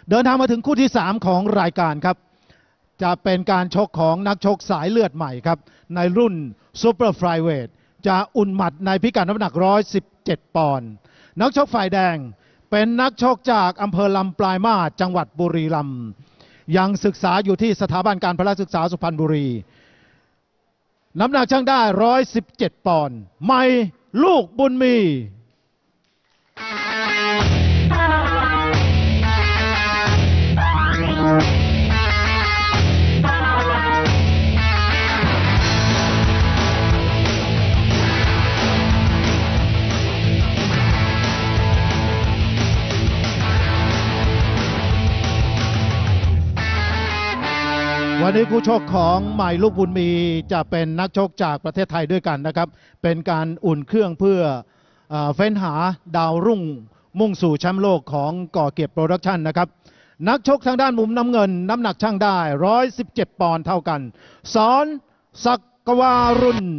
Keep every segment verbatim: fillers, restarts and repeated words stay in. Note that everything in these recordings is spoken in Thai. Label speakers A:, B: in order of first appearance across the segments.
A: เดินทางมาถึงคู่ที่สามของรายการครับจะเป็นการชกของนักชกสายเลือดใหม่ครับในรุ่นซูเปอร์ไฟเวทจะอุ่นหมัดในพิกัดน้ำหนักหนึ่งร้อยสิบเจ็ดปอนด์นักชกฝ่ายแดงเป็นนักชกจากอำเภอลำปลายมาศจังหวัดบุรีรัมย์ยังศึกษาอยู่ที่สถาบันการพละศึกษาสุพรรณบุรีน้ำหนักช่างได้หนึ่งร้อยสิบเจ็ดปอนด์ใหม่ลูกบุญมีวันนี้คู่ชกของใหม่ลูกบุญมีจะเป็นนักชกจากประเทศไทยด้วยกันนะครับเป็นการอุ่นเครื่องเพื่อเฟ้นหาดาวรุ่งมุ่งสู่แชมป์โลกของก่อเกียรติโปรดักชั่นนะครับนักชกทางด้านมุมน้ำเงินน้ำหนักช่างได้หนึ่งร้อยสิบเจ็ดปอนด์เท่ากันสอนศักวารุณ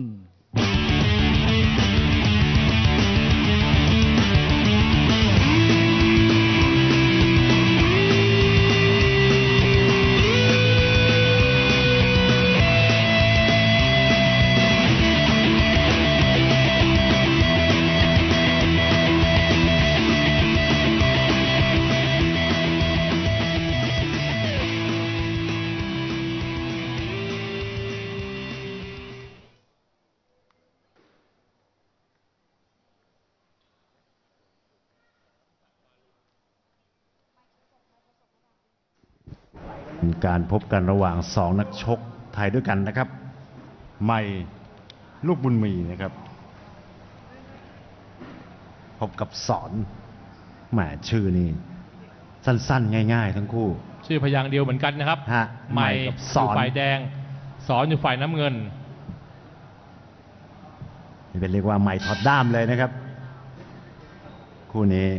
B: การพบกันระหว่างสองนักชกไทยด้วยกันนะครับใหม่ลูกบุญมีนะครับพบกับสอนแหมชื่อนี่สั้นๆง่ายๆทั้งคู่
C: ชื่อพยางค์เดียวเหมือนกันนะครับใหม่กับสอนฝ่ายแดงสอนอยู่ฝ่ายน้ำเงิน
B: นี่เป็นเรียกว่าใหม่ถอดด้ามเลยนะครับคู่นี้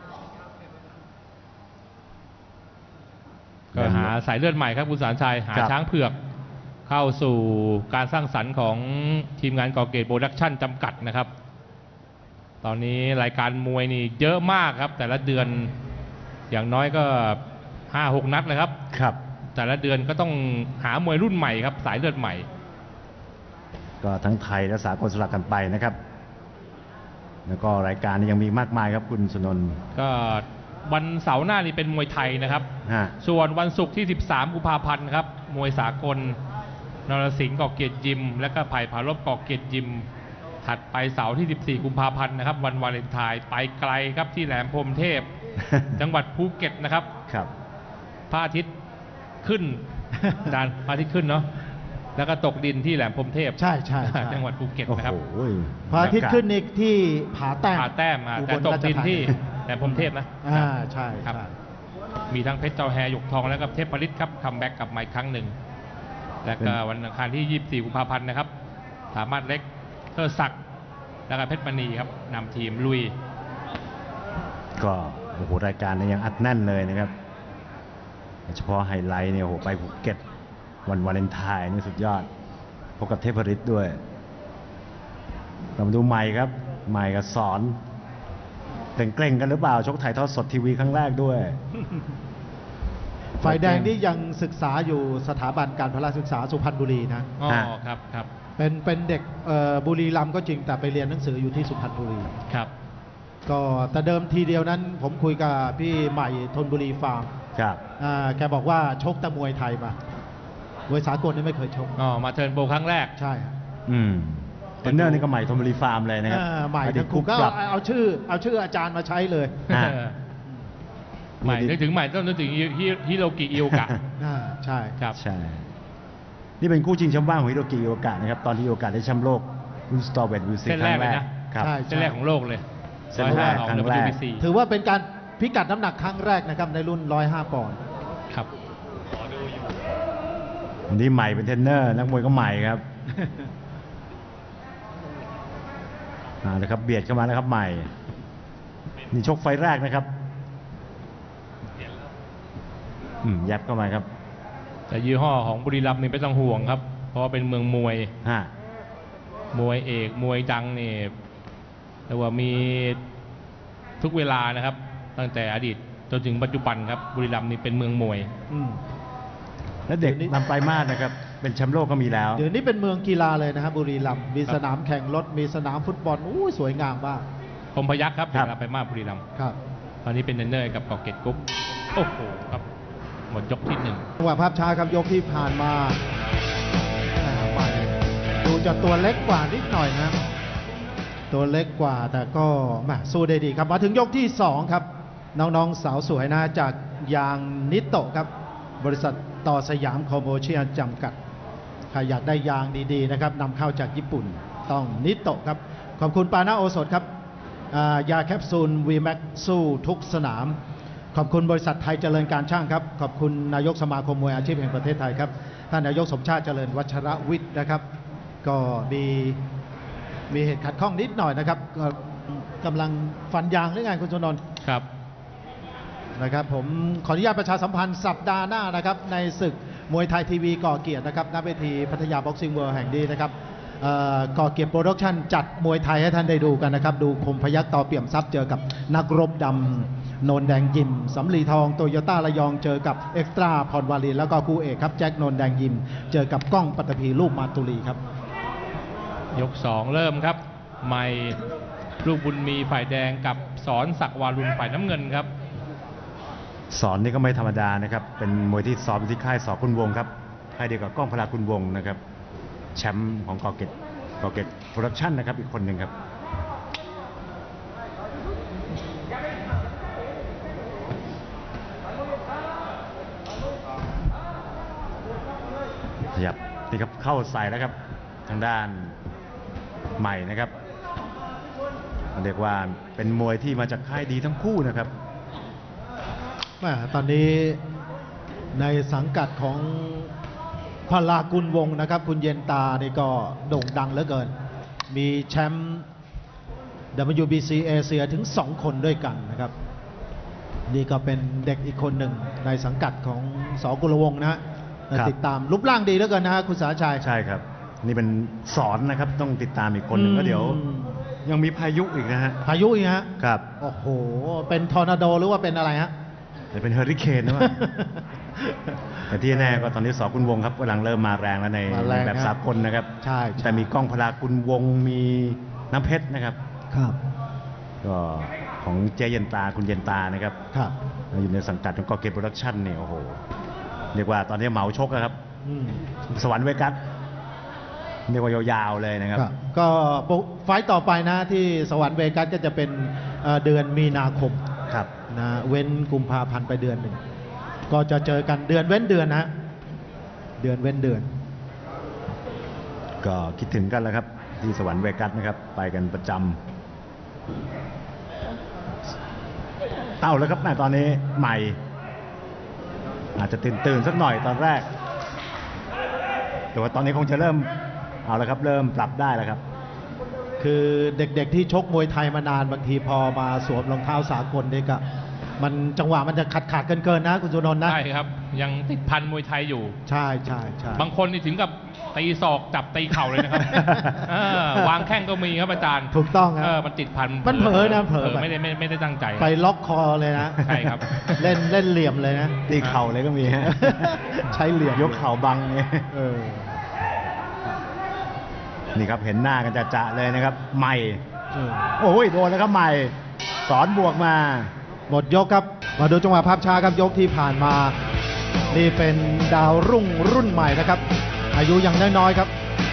C: ก็หาสายเลือดใหม่ครับคุณสารชัยหาช้างเผือกเข้าสู่การสร้างสรรค์ของทีมงานก่อเกียรติโปรดักชั่นจำกัดนะครับตอนนี้รายการมวยนี่เยอะมากครับแต่ละเดือนอย่างน้อยก็ ห้าหก นัดเลยครับ
B: ครับ
C: แต่ละเดือนก็ต้องหามวยรุ่นใหม่ครับสายเลือดใหม่
B: ก็ทั้งไทยและสากลสลับกันไปนะครับแล้วก็รายการนี้ยังมีมากมายครับคุณสุนนท์
C: ก็วันเสาร์หน้านี่เป็นมวยไทยนะครับส่วนวันศุกร์ที่สิบสามกุมภาพันธ์ครับมวยสากลนรสิงห์ก่อเกียรติยิมและก็ไผ่ผาลบก่อเกียรติยิมถัดไปเสาร์ที่สิบสี่กุมภาพันธ์นะครับวันวาเลนไทน์ไปไกลครับที่แหลมพรหมเทพ จังหวัดภูเก็ตนะครับ
B: ครับ
C: พระอาทิตย์ขึ้นดานพระอาทิตย์ขึ้นเนาะแล้วก็ตกดินที่แหลมพรหมเทพ
A: ใช่ใช่
C: จังหวัดภูเก็ตนะครับ
A: พระอาทิตย์ขึ้นอีกที่ผาแต้ม
C: ผาแต้มแต่ตกดินที่แหลมพรหมเทพนะ
A: อ่าใช่
C: ครับมีทั้งเพชรเจ้าแฮหยกทองแล้วก็เทพผลิตครับคัมแบ็กกลับมาอีกครั้งหนึ่งแล้วก็วันอังคารที่ยี่สิบสี่กุมภาพันธ์นะครับสามารถเล็กเทอศักดิ์แล้วก็เพชรมณีครับนำทีมลุย
B: ก็โอ้โหรายการนี้ยังอัดแน่นเลยนะครับเฉพาะไฮไลท์เนี่ยโอ้โหไปภูเก็ตวันวาเลนไทน์นี่สุดยอดพบกับเทพฤทธิ์ด้วยเรามาดูใหม่ครับใหม่กับสอนเกรงๆกันหรือเปล่าชกถ่ายทอดสดทีวีครั้งแรกด้วย
A: ฝ่ายแดงนี่ยังศึกษาอยู่สถาบันการพละศึกษาสุพรรณบุรีนะ
C: อ๋อครับครับ
A: เป็นเป็นเด็กบุรีรัมย์ก็จริงแต่ไปเรียนหนังสืออยู่ที่สุพรรณบุรี
C: ครับ
A: ก็แต่เดิมทีเดียวนั้นผมคุยกับพี่ใหม่ธนบุรีฟาร์ม
B: ครับ
A: แกบอกว่าชกแต่มวยไทยมามวยสากลนี่ไม่เคยชก
C: อ๋อมาเทิร์นโปรครั้งแรก
A: ใช่
B: อืมเทรนเนอร์นี่ก็ใหม่ธนบุรีฟาร์มเลยนะครับ
A: ใหม่ทั้งคู่ก็เอาชื่อเอาชื่ออาจารย์มาใช้เลย
C: ใหม่นึกถึงใหม่ต้องนึกถึงฮิโรกิอิโอกะ
A: ใช่
C: ครับ
B: ใช่นี่เป็นคู่ชิงแชมป์ว่างของฮิโรกิอิโอกะนะครับตอนที่อิโอกะได้แชมป์โลกรุ่นสตอร์เวทวิวซีครั้งแรก
C: ใช่เส้นแรกของโลกเลย
B: เส้นแรกครั้งแรก
A: ถือว่าเป็นการพิกัดน้ำหนักครั้งแรกนะครับในรุ่นหนึ่งร้อยห้าปอนด์
C: ครับ
B: วันนี้ใหม่เป็นเทรนเนอร์นักมวยก็ใหม่ครับนะครับเบียดเข้ามาแล้วครับใหม่นี่ชกไฟแรกนะครับอืมยัดเข้ามาครับ
C: แต่ยี่ห้อของบุรีรัมย์นี่ไม่ต้องห่วงครับเพราะว่าเป็นเมืองมวย
B: ฮะ
C: มวยเอกมวยดังนี่แต่ว่ามีทุกเวลานะครับตั้งแต่อดีตจนถึงปัจจุบันครับบุรีรัมย์นี่เป็นเมืองมวย
A: อืม
B: และเด็กนำไปมากนะครับเป็นแชมป์โลกก็มีแล้ว
A: เดี๋ยวนี้เป็นเมืองกีฬาเลยนะครับบุรีรัมย์มีสนามแข่งรถมีสนามฟุตบอลอู้สวยงามมาก
C: คมพยัคฆ์ครับ
B: ครั
C: เด็
B: บ
C: กไปมากบุรีรัมย์
A: ครับ
C: ตอนนี้เป็นเทรนเนอร์กับกอเกตกรุ๊ปโอ้โหครับหมดยกที่หนึ่ง
A: จังหวะภาพช้าครับยกที่ผ่านมาแหม่ไปดูจะตัวเล็กกว่านิดหน่อยนะตัวเล็กกว่าแต่ก็แหม่สู้ได้ดีครับมาถึงยกที่สองครับน้องๆสาวสวยนะจากยางนิโตะครับบริษัทต่อสยามคอมโมเชียลจำกัดใครอยากได้ยางดีๆนะครับนำเข้าจากญี่ปุ่นต้องนิโตะครับขอบคุณปานาโอสถครับอ่ายาแคปซูลวีแม็กสู้ทุกสนามขอบคุณบริษัทไทยเจริญการช่างครับขอบคุณนายกสมาคมมวยอาชีพแห่งประเทศไทยครับท่านนายกสมชาติเจริญวัชรวิทย์นะครับ ก็มีมีเหตุขัดข้องนิดหน่อยนะครับก็กำลังฟันยางหรือไงคุณชนนท์
C: ครับ
A: นะครับผมขออนุญาตประชาสัมพันธ์สัปดาห์หน้านะครับในศึกมวยไทยทีวีก่อเกียรตินะครับณเวทีพัทยาบ็อกซิ่งเวิลด์แห่งนี้นะครับเอ่อก่อเกียรติโปรดักชั่นจัดมวยไทยให้ท่านได้ดูกันนะครับดูคมพยัคฆ์ต่อเปี่ยมทรัพย์เจอกับนักรบดำโนนแดงยิมสำลีทองโตโยต้าระยองเจอกับเอ็กซ์ตร้าพรวารีแล้วก็คู่เอกครับแจ็คโนนแดงยิมเจอกับก้องปัตตภีรูปมาตุลีครับ
C: ยกสองเริ่มครับใหม่ลูกบุญมีฝ่ายแดงกับสอนศักดิ์วารุณฝ่ายน้ำเงินครับ
B: สอนนี่ก็ไม่ธรรมดานะครับเป็นมวยที่ซ้อมอยู่ที่ค่ายสอคุณวงครับค่ายเดียวกับก้องพลาคุณวงนะครับแชมป์ของกอเกตกอเกตโปรดักชั่นนะครับอีกคนหนึ่งครับขยับนี่ครับเข้าใส่แล้วครับทางด้านใหม่นะครับเรียกว่าเป็นมวยที่มาจากค่ายดีทั้งคู่นะครับ
A: แหม่ตอนนี้ในสังกัดของพลากุลวงศ์นะครับ คุณเย็นตานี่ก็โด่งดังเหลือเกิน มีแชมป์ ดับเบิลยู บี ซี เอเชียถึงสองคนด้วยกันนะครับ นี่ก็เป็นเด็กอีกคนหนึ่งในสังกัดของสกุลวงศ์นะฮะติดตามรูปร่างดีเหลือเกินนะฮะคุณสาชัย
B: ใช่ครับนี่เป็นสอนนะครับต้องติดตามอีกคนหนึ่งก็เดี๋ยวยังมีพายุอีกนะฮะ
A: พายุอีกฮะ
B: ครับ
A: โอ้โหเป็นทอร์นาโดหรือว่าเป็นอะไรฮะ
B: จะเป็นเฮอริเคนนะว่า แต่ที่แน่ก็ตอนนี้สอคุณวงครับกำลังเริ่มมาแรงแล้วในแบบสากลนะครับ
A: ใช่
B: แต่มีกล้องพลาคุณวงมีน้ำเพชรนะครับ
A: ครับ
B: ก็ของเจเย็นตาคุณเย็นตานะครับ
A: ครับ
B: อยู่ในสังกัดของกอเกตโปรดักชั่นเนี่ยโอ้โหเรียกว่าตอนนี้เหมาชกนะครับสวรรค์เวกัสเรียกว่ายาวๆเลยนะครับ
A: ก็ไฟต์ต่อไปนะที่สวรรค์เวกัสก็จะเป็นเดือนมีนาคม
B: ครับ
A: นะเว้นกุมภาพันธ์ไปเดือนหนึ่งก็จะเจอกันเดือนเว้นเดือนนะเดือนเว้นเดือน
B: ก็คิดถึงกันแล้วครับที่สวรรค์เวกัสนะครับไปกันประจำเต้าแล้วครับแม่ตอนนี้ใหม่อาจจะตื่นตื่นสักหน่อยตอนแรกแต่ว่าตอนนี้คงจะเริ่มเอาแล้วครับเริ่มปรับได้แล้วครับ
A: คือเด็กๆที่ชกมวยไทยมานานบางทีพอมาสวมรองเท้าสากลนี่ก็มันจังหวะมันจะขาดขาดเกินๆนะคุณสุนนท์นะ
C: ใช่ครับยังติดพันมวยไทยอยู่
A: ใช่ใช่ใช่
C: บางคนนี่ถึงกับตีศอกจับตีเข่าเลยนะครับวางแข้งก็มีครับอาจารย์
A: ถูกต้องครับ
C: มันติดพัน
A: มันเผลอนะเผลอ
C: ไม่ได้ไม่ไม่ได้ตั้งใจ
A: ไปล็อกคอเลยนะ
C: ใช่ครับ
A: เล่นเล่นเหลี่ยมเลยนะ
B: ตีเข่าเลยก็มีฮะ
A: ใช้เหลี่ยม
B: ยกเข่าบังเนี่ยนี่ครับเห็นหน้ากันจะๆเลยนะครับใหม่โอ้ยโดนแล้วครับใหม่สอนบวกมา
A: หมดยกครับมาดูจังหวะภาพช้าครับยกที่ผ่านมานี่เป็นดาวรุ่งรุ่นใหม่นะครับอายุยังน้อยๆครับ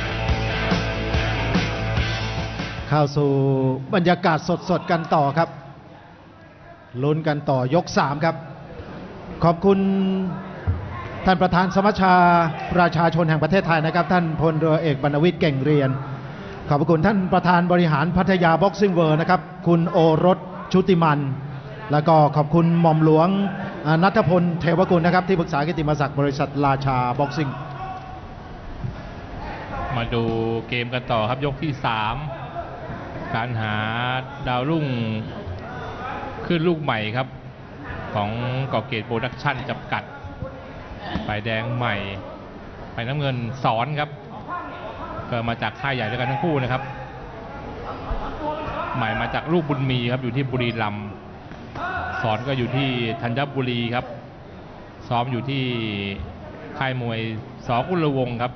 A: เข้าสู่บรรยากาศสดๆกันต่อครับลุ้นกันต่อยกสามครับขอบคุณท่านประธานสมัชชาประชาชนแห่งประเทศไทยนะครับท่านพลเรือเอกบรรณวิทย์เก่งเรียนขอบคุณท่านประธานบริหารพัทยาบ็อกซิ่งเวิลด์นะครับคุณโอรสชุติมันแล้วก็ขอบคุณหม่อมหลวงณัฐพลเทวกุลนะครับที่ปรึกษากิตติมศักดิ์บริษัทราชาบ็อกซิ่ง
C: มาดูเกมกันต่อครับยกที่สามการหาดาวรุ่งขึ้นลูกใหม่ครับของกอเกตโปรดักชั่นจำกัดฝ่ายแดงใหม่ฝ่ายน้ำเงินสอนครับก็มาจากค่ายใหญ่ด้วยกันทั้งคู่นะครับใหม่มาจากลูกบุญมีครับอยู่ที่บุรีรัมย์สอนก็อยู่ที่ธัญบุรีครับซ้อมอยู่ที่ค่ายมวยสกุลวงศ์ครับ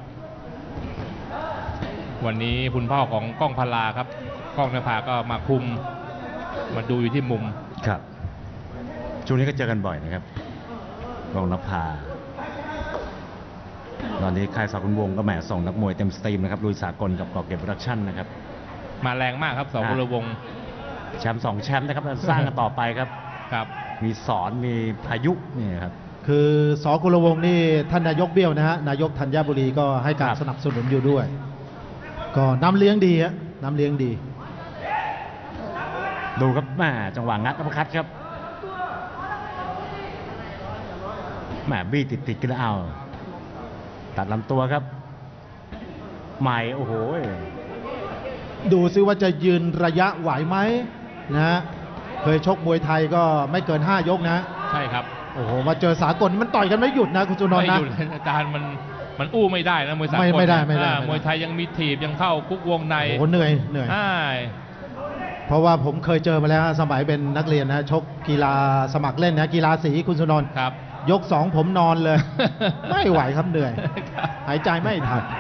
C: วันนี้คุณพ่อของก้องพลาครับก้องนภาก็มาคุมมาดูอยู่ที่มุม
B: ครับช่วงนี้ก็เจอกันบ่อยนะครับก้องนภาตอนนี้ค่ายสกุลวงศ์ก็แหมส่งนักมวยเต็มสตรีมนะครับลุยสากลกับกอเก็บโปรดักชั่นนะครับ
C: มาแรงมากครับสกุลวงศ์
B: แชมป์สองแชมป์นะครับสร้างกันต่อไปครับ
C: ครับ
B: มีสอนมีพายุนี่ครับ
A: คือสกุลวงศ์นี่ท่านนายกเบี้ยวนะฮะนายกธัญบุรีก็ให้การสนับสนุนอยู่ด้วยก็น้ำเลี้ยงดีฮะน้ำเลี้ยงดี
B: ดูครับแม่จังหวะงัดอัปคัตครับแม่บี้ติดติดกันแล้วเอาตัดลำตัวครับใหม่โอ้โห
A: ดูซิว่าจะยืนระยะไหวไหมนะฮะเคยชกมวยไทยก็ไม่เกินห้ายกนะ
C: ใช่ครับ
A: โอ้โหมาเจอสากลมันต่อยกันไม่หยุดนะคุณจุนนท์นะ
C: ไม่หยุดอาจารย์มันมันอู้ไม่ได้นะมวยสากล
A: ไม่ได้ไม่ได้
C: มวยไทยยังมีถีบยังเข้าคุกวงใน
A: โอ้เหนื่อยเหนื่อยเพราะว่าผมเคยเจอมาแล้วสมัยเป็นนักเรียนนะชกกีฬาสมัครเล่นนะกีฬาสีคุณสุนนท์
C: ครับ
A: ยกสองผมนอนเลยไม่ไหวครับเหนื่อยหายใจไม่ทัน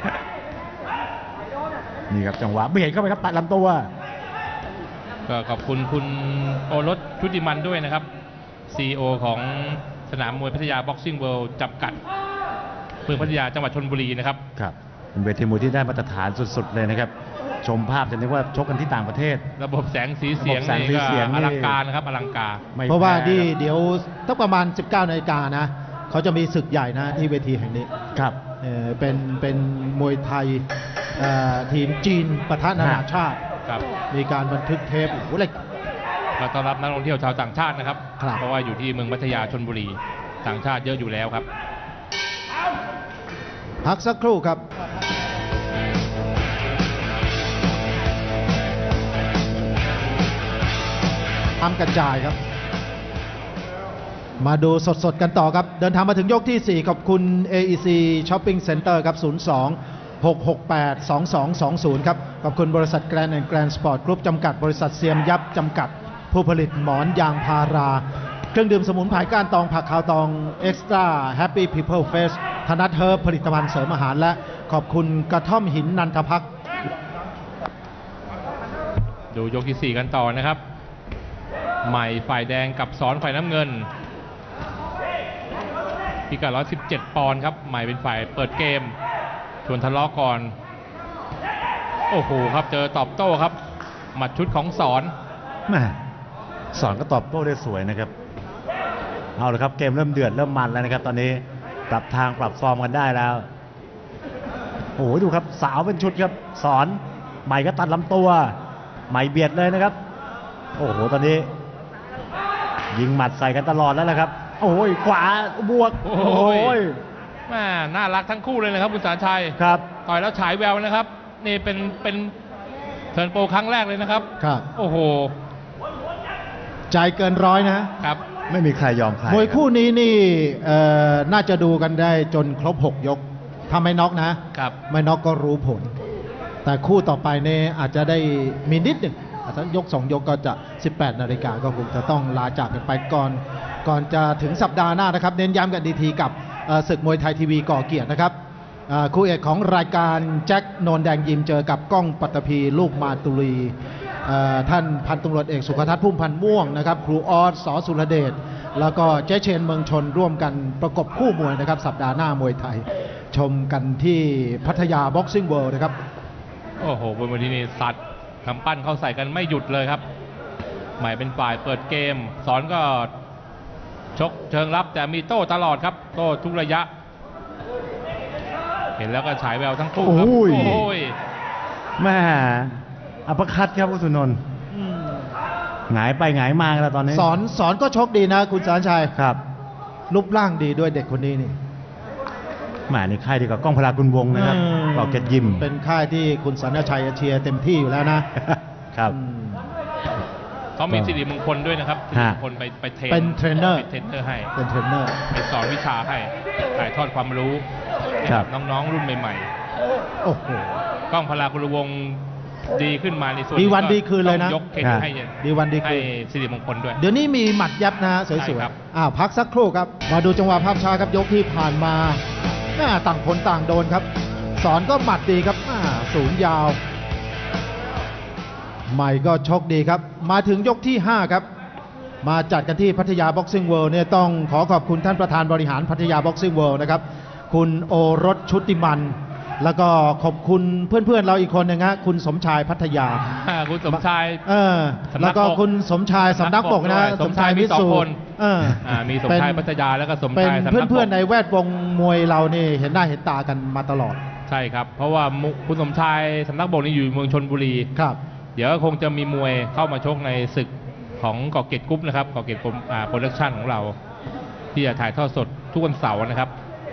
B: นี่ครับจังหวะเบียดเข้าไปครับตัดลำตัว
C: ก็ขอบคุณคุณโอรสชุติมันด้วยนะครับ ซี อี โอ ของสนามมวยพัทยาบ็อกซิ่งเวิลด์จำกัดเมืองพัทยาจังหวัดชลบุรีนะครับ
B: ครับเป็นเวทีมวยที่ได้มาตรฐานสุดๆเลยนะครับชมภาพจะนึกว่าชกกันที่ต่างประเทศ
C: ระบบแสงสีเสียงนี่ก็อลังการนะครับอลังการ
A: เพราะว่าที่เดี๋ยวตั้งประมาณสิบเก้านาฬิกานะเขาจะมีศึกใหญ่นะที่เวทีแห่งนี้
B: ครับ
A: เออเป็นเป็นมวยไทยทีมจีนปะทะนานาชาติมีการบันทึกเทปโอ้โหเลย
C: เราต้อนรับนักท่องเที่ยวชาวต่างชาตินะครับเพราะว่าอยู่ที่เมืองพัทยาชลบุรีต่างชาติเยอะอยู่แล้วครับ
A: พักสักครู่ครับทำกระจายครับมาดูสดๆกันต่อครับเดินทางมาถึงยกที่สี่ขอบคุณ เอ อี ซี Shopping Center ครับศูนย์ สอง หก หก แปด สอง สอง สอง ศูนย์ครับขอบคุณบริษัท Grand and Grand Sport Group จำกัดบริษัทเซียมยับจำกัดผู้ผลิตหมอนยางพาราเครื่องดื่มสมุนไพรก้านตองผักขาวตอง Extra Happy People Face ธนัทเฮิร์บผลิตภัณฑ์เสริมอาหารและขอบคุณกระท่อมหินนันทภักดิ์
C: ดูยกที่สี่กันต่อนะครับใหม่ฝ่ายแดงกับสอนฝ่ายน้ำเงินพิกัดหนึ่งร้อยสิบเจ็ดปอนด์ครับใหม่เป็นฝ่ายเปิดเกมชวนทะเลาะก่อนโอ้โหครับเจอตอบโต้ครับหมัดชุดของสอน
B: แม่สอนก็ตอบโต้ได้สวยนะครับเอาเลยครับเกมเริ่มเดือดเริ่มมันแล้วนะครับตอนนี้ปรับทางปรับฟอร์มกันได้แล้วโอ้โหดูครับสาวเป็นชุดครับสอนใหม่ก็ตัดลำตัวใหม่เบียดเลยนะครับโอ้โหตอนนี้ยิงหมัดใส่กันตลอดแล้วนะครับโอ้ยขวาบวกโอ้ย
C: แม่น่ารักทั้งคู่เลยนะครับคุณสารชัย
B: ครับ
C: ต่อยแล้วฉายแววนะครับนี่เป็นเป็นเทิร์นโปรครั้งแรกเลยนะครับ
A: ครับ
C: โอ้โห
A: ใจเกินร้อยนะครับ
B: ไม่มีใครยอมใคร
A: มวยคู่นี้นี่น่าจะดูกันได้จนครบหกยกถ้าไม่น็อกนะครับไม่น็อกก็รู้ผลแต่คู่ต่อไปเนี่ยอาจจะได้มีนิดหนึ่งถ้ายกสองยกก็จะสิบแปดนาฬิกาก็คงจะต้องลาจากกันไปก่อนก่อนจะถึงสัปดาห์หน้านะครับเน้นย้ำกันดีทีกับศึกมวยไทยทีวีก่อเกียรตินะครับคู่เอกของรายการแจ็คโนนแดงยิมเจอกับก้องปัตตภีลูกมาตุลีท่านพันตำรวจเอกสุขทัศน์พุ่มพันธ์ม่วงนะครับครูออสส.สุรเดชแล้วก็เจเชนเมืองชนร่วมกันประกบคู่มวยนะครับสัปดาห์หน้ามวยไทยชมกันที่พัทยาบ็อกซิ่งเวิลด์นะครับ
C: โอ้โหบนวันนี้สัตว์กำปั้นเข้าใส่กันไม่หยุดเลยครับใหม่เป็นฝ่ายเปิดเกมสอนก็ชกเชิงรับแต่มีโต้ตลอดครับโต้ทุกระยะเห็นแล้วก็ฉายแววทั้งคู่ครับโอ้ย
B: แม่อัปคัตครับคุณสุนนท์หงายไปหงายมาแล้วตอนนี้
A: สอนสอนก็ชกดีนะคุณสารชัย
B: ครับ
A: รูปร่างดีด้วยเด็กคนนี้นี่
B: แหมนี่ค่ายดีกว่าก้องพลากุลวงนะครับก่อเกียรติยิม
A: เป็นค่ายที่คุณสารชัยเชียร์เต็มที่อยู่แล้วนะครับ
C: เขามีสิริมงคลด้วยนะครับสิริมงคลไปไปเทรน
A: เป็นเทรนเนอร์
C: เป็นเทรนเนอร์ให้
A: เป็นเทรนเนอร์
C: ไปสอนวิชาให้ถ่ายทอดความรู้น้องๆรุ่นใหม่
A: ๆโอ้โห
C: ก้องพลากุลวงดีขึ้นมาในส่วน
A: ดีวันดีคืนเลยนะ
C: ต้องยกเครดิตให้
A: ดีวันดีคื
C: ให้
A: น
C: สิริมงคลด้วย
A: เดี๋ยวนี้มีหมัดยับนะฮะส
C: ใช่
A: วย
C: ครับ
A: ๆอ้าวพักสักครู่ครับ มาดูจังหวะภาพช้าครับยกที่ผ่านมาหน้าต่างคนต่างโดนครับ สอนก็หมัดดีครับอ่าศูนย์ยาว ใหม่ก็ชกดีครับ มาถึงยกที่ห้าครับ มาจัดกันที่พัทยาบ็อกซิ่งเวิลด์เนี่ยต้องขอขอบคุณท่านประธานบริหารพัทยาบ็อกซิ่งเวิลด์นะครับคุณโอรสชุติมัน แล้วก็ขอบคุณเพื่อนๆเราอีกคนหนึงฮะคุณสมชายพัทยา
C: อ่าคุณสมชาย
A: เออ
C: สำนักบก
A: แล้วก็คุณสมชายสำนักบกนะ
C: สมชายมีสองคน
A: เออ
C: อ่ามีสมชายพัทยาแล้วก็สม
A: เป็น
C: ชายสำนักบก
A: เพื่อนๆในแวดวงมวยเรานี่เห็นหน้าเห็นตากันมาตลอด
C: ใช่ครับ เพราะว่ามุคุณสมชายสำนักบกนี่อยู่เมืองชนบุรี
A: ครับ
C: เดี๋ยวคงจะมีมวยเข้ามาชกในศึกของกอเกตกรุ๊ปนะครับกอเกตโปรดักชั่นของเรา ที่จะถ่ายทอดสดทุกวันเสาร์นะครับ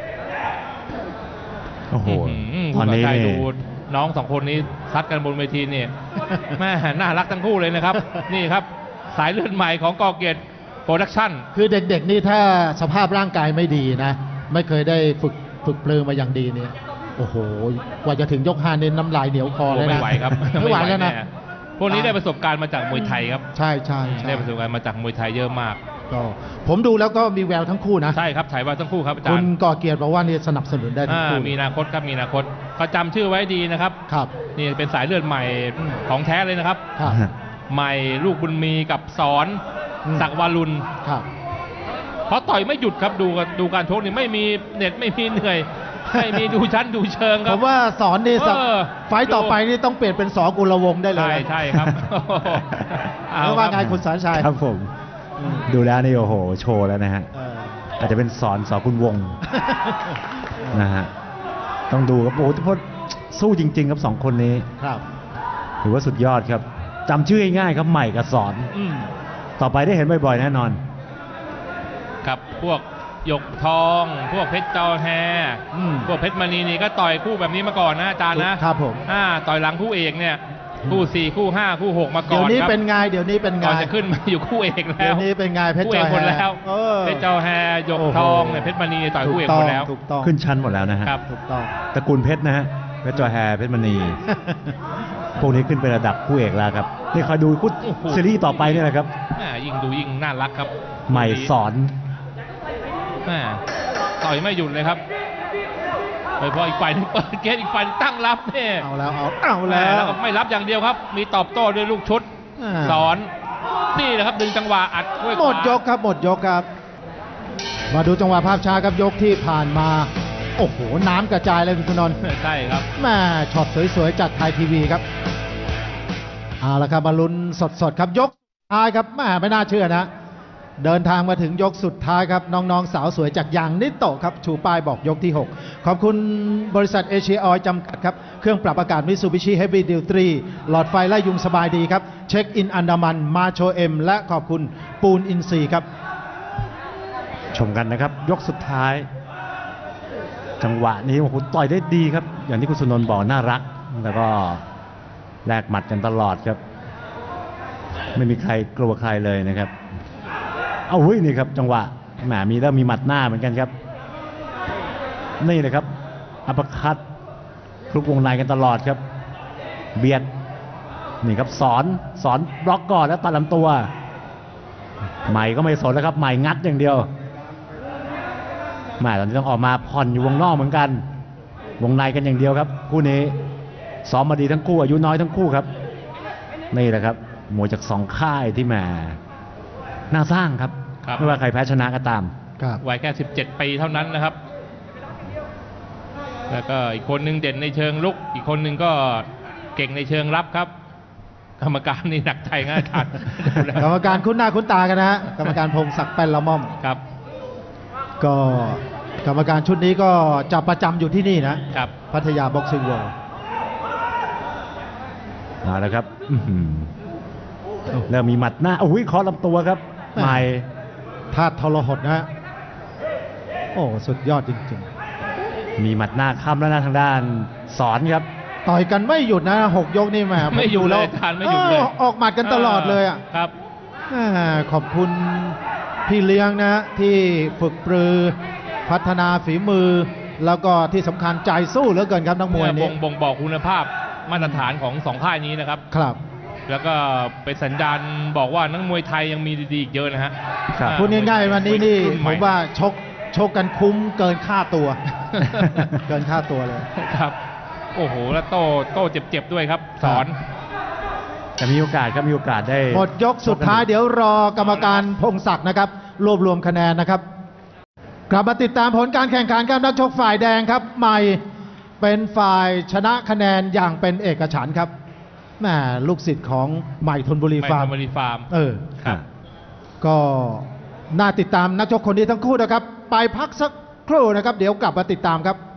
B: โอ้โห
C: อื้อหือ
B: ต
C: คุ
B: อน
C: ณ
B: นี้
C: สาย
B: นี่
C: ดูน้องสองคนนี้ซัดกันบนเวทีเนี่ย แม่น่ารักทั้งคู่เลยนะครับ นี่ครับสายเลือดใหม่ของกอเกตโปรดักชั่น
A: คือเด็กๆนี่ถ้าสภาพร่างกายไม่ดีนะ ไม่เคยได้ฝึกฝึกปลือมาอย่างดีเนี่ยโอ้โหกว่าจะถึงยกห้าเนี่ยน้ำลายเหนียวคอเลยนะ
C: ไม่ไหวครับ
A: ไม่ไหวแล้วนะ
C: น่พวกนี้ได้ประสบการณ์มาจากมวยไทยครับ
A: ใช่ใช่ใช่
C: ได้ประสบการณ์มาจากมวยไทยเยอะมาก
A: ก็ผมดูแล้วก็มีแววทั้งคู่นะ
C: ใช่ครับฉายว่าทั้งคู่ครับอาจา
A: คุ
C: ร
A: ณ
C: ย์
A: ก่อเกียรติบอกว่านี่สนับสนุนได้ทั้ง
C: อ่า
A: คู่
C: มีอนาคตครับมีอนาคตก็จำชื่อไว้ดีนะครับ
A: ครับ
C: นี่เป็นสายเลือดใหม่ของแท้เลยนะครับ
A: ครับ
C: ใหม่ลูกบุญมีกับสอน
A: อืม
C: ศักดิ์วารุณ
A: ครับ
C: เพราะต่อยไม่หยุดครับดูดูการชกนี่ไม่มีเหน็ดไม่มีเหนื่อย ไม่มีดูชั้นดูเชิงค
A: ผ
C: รับ
A: มว่าสอนนี่สัก
C: เออ
A: ไฟต์ต่อไปนี่ต้องเปลี่ยนเป็นสอกุลวงศ์ได้เลย
C: ใช่ใช่ครับ
A: เพราะว่าไงคุณสารชัย
B: ครับผม
A: อืม
B: ดูแล้วนี่โอ้โห โชว์แล้วนะฮะ
A: เออ
B: อาจจะเป็นสอนสอคุณวงศ์ นะฮะ ต้องดูครับโอ้โหทุกคนสู้จริง ๆ ครับสองคนนี้
A: ครับ
B: ถือว่าสุดยอดครับจำชื่อง่ายๆครับใหม่กับสอน
A: อืม
B: ต่อไปได้เห็นบ่อยๆแน่นอน
C: ครับพวกหยกทอง พวกเพชรเจ้าแฮ
A: อืม
C: พวกเพชรมณีนี่ก็ต่อยคู่แบบนี้มาก่อนนะอาจารย์นะครับ
A: ผม
C: อ่าต่อยหลังคู่เอกเนี่ยคู่สี่คู่ห้าคู่หกมาก่
A: เดี๋ย
C: อ
A: วน นี้
C: ครับ
A: เป็นไงเดี๋ยวนี้เป็นไง
C: ก่อนจะขึ้นมาอยู่คู่เอกแล้
A: เดี๋ยว วนี้เป็นไงเพชร
C: คู่
A: จ
C: เอ
A: อก ย
C: หมดแล้ว
A: เออ
C: เพชรเจ้าแฮหยกทองเนี่ยเพชรมณีต่อยคู่เอกหมดแล้ว
A: ถูกต้อง
B: ขึ้นชั้นหมดแล้วนะฮะ
C: ครับ
A: ถูกต้อง
B: ตระกูลเพชรนะฮะเพชรจอยแฮร์เพชรมณี พวกนี้ขึ้นเป็นระดับคู่เอกแล้วครับนี่คอยดูคู่
C: โอ้โห
B: ซีรีส์ต่อไปนี่แหละครับ
C: แม่ยิ่งดูยิ่งน่ารักครับ
B: ใหม่สอน
C: แม่ต่อยไม่หยุดเลยครับโดยเฉพาะอีกฝ่ายหนึงเปิดเกมอีกฝ่ายหนึ่งตั้งรับเนี่ย
A: เอาแล้วเอาเอา
C: แม่
A: แล้ว
C: แล้วก็ไม่รับอย่างเดียวครับ มีตอบโต้ด้วยลูกชุด
A: อ่า
C: สอนนี่นะครับดึงจังหวะอัดด้วย
A: หมด
C: ขวาย
A: กครับหมดยกครับ มาดูจังหวะภาพช้าครับยกที่ผ่านมา โอ้โห น้ำกระจายเลยคุณธนนท์
C: ใช่ครับ
A: แม่ช็อตสวยๆจากไทยทีวีครับเอาละครับมาลุ้นสดๆครับยกท้ายครับแม่ไม่น่าเชื่อนะ เดินทางมาถึงยกสุดท้ายครับน้องๆสาวสวยจากยางนิโตะครับชูป้ายบอกยกที่หกขอบคุณบริษัทเอเชียออยล์จำกัดครับเครื่องปรับอากาศมิตซูบิชิเฮฟวี่ดิวตรีหลอดไฟไล่ยุงสบายดีครับเช็คอินอันดามันมาโชเอ็มและขอบคุณปูนอินซีครับ
B: ชมกันนะครับ ยกสุดท้าย จังหวะนี้โอ้โหต่อยได้ดีครับ อย่างที่คุณสุนนท์บอกน่ารัก แล้วก็แลกหมัดกันตลอดครับ ไม่มีใครกลัวใครเลยนะครับ เอาเฮ้ยนี่ครับ จังหวะแหมมีแล้วมีหมัดหน้าเหมือนกันครับ นี่เลยครับอัปเปอร์คัตคลุกวงในกันตลอดครับ เบียดนี่ครับสอนสอนบล็อกก่อนแล้วตัดลำตัว ใหม่ก็ไม่สนแล้วครับใหม่งัดอย่างเดียวแหม่ตอนนี้ต้องออกมาผ่อนอยู่วงนอกเหมือนกัน วงในกันอย่างเดียวครับคู่นี้ซ้อมมาดีทั้งคู่อายุน้อยทั้งคู่ครับนี่แหละครับมวยจากสองค่ายที่แหมน่าสร้างครับ
C: ครับ
B: ไม่ว่าใครแพ้ชนะก็ตาม
A: ครับ
C: วัยแค่สิบเจ็ดปีเท่านั้นนะครับ แล้วก็อีกคนหนึ่งเด่นในเชิงลุก อีกคนหนึ่งก็เก่งในเชิงรับครับ กรรมการนี่หนักใจง่ายขาด
A: กรรมการคุ้นหน้าคุ้นตากันนะฮะกรรมการพงศักดิ์แป้นละม่อม
C: ครับ
A: ก็กรรมการชุดนี้ก็จะประจำอยู่ที่นี่นะครับ พัทยาบ็อกซิ่งเวิลด์
B: เอาละครับอื้อหือเริ่มมีหมัดหน้าโอ้ยเคอลำตัวครับใหม่
A: ธาตุทรหดนะฮะโอ้สุดยอดจริง
B: มีหมัดหน้าค้ำแล้วนะทางด้านสอนครับ
A: ๆ ต่อยกันไม่หยุดนะหกยกนี่แหม
C: ไม่หยุดเลยอาจารย์ไม่หยุดเลย
A: ออออกหมัดกันตลอดเลยอ่ะ
C: ครับ
A: อ่าขอบคุณพี่เลี้ยงนะที่ฝึกปรือพัฒนาฝีมือ แล้วก็ที่สำคัญใจสู้เหลือเกินครับนักมวย
C: เนี่ยบ่
A: นี้
C: งบ่งบอกคุณภาพมาตรฐานของสองค่ายนี้นะครับ
A: ครับ
C: แล้วก็เป็นสัญญาณบอกว่านักมวยไทยยังมีดีๆอีกเยอะนะฮะ
B: ครับ
A: พูดง่ายๆวันนี้นี่
C: รุ่ให
A: ผมว่าชกชกกันคุ้มเกินค่าตัว เกินค่าตัวเลย
C: ครับ โอ้โห แล้วโต้โต้เจ็บๆด้วยครับ สอน
B: แต่มีโอกาสก็มีโอกาสได้
A: หมดยกสุดท้ายเดี๋ยวรอกรรมการพงศักดิ์นะครับ รวบรวมคะแนนนะครับ กลับมาติดตามผลการแข่งขันครับนักชกฝ่ายแดงครับใหม่เป็นฝ่ายชนะคะแนนอย่างเป็นเอกฉันท์ครับแหมลูกศิษย์ของใหม่ธนบุรี
C: ไม่
A: ฟาร์ม
C: ธนบุรีฟาร์ม
A: เออ
C: ครับ
A: ก็น่าติดตามนักชกคนนี้ทั้งคู่นะครับ ไปพักสักครู่นะครับ เดี๋ยวกลับมาติดตามครับ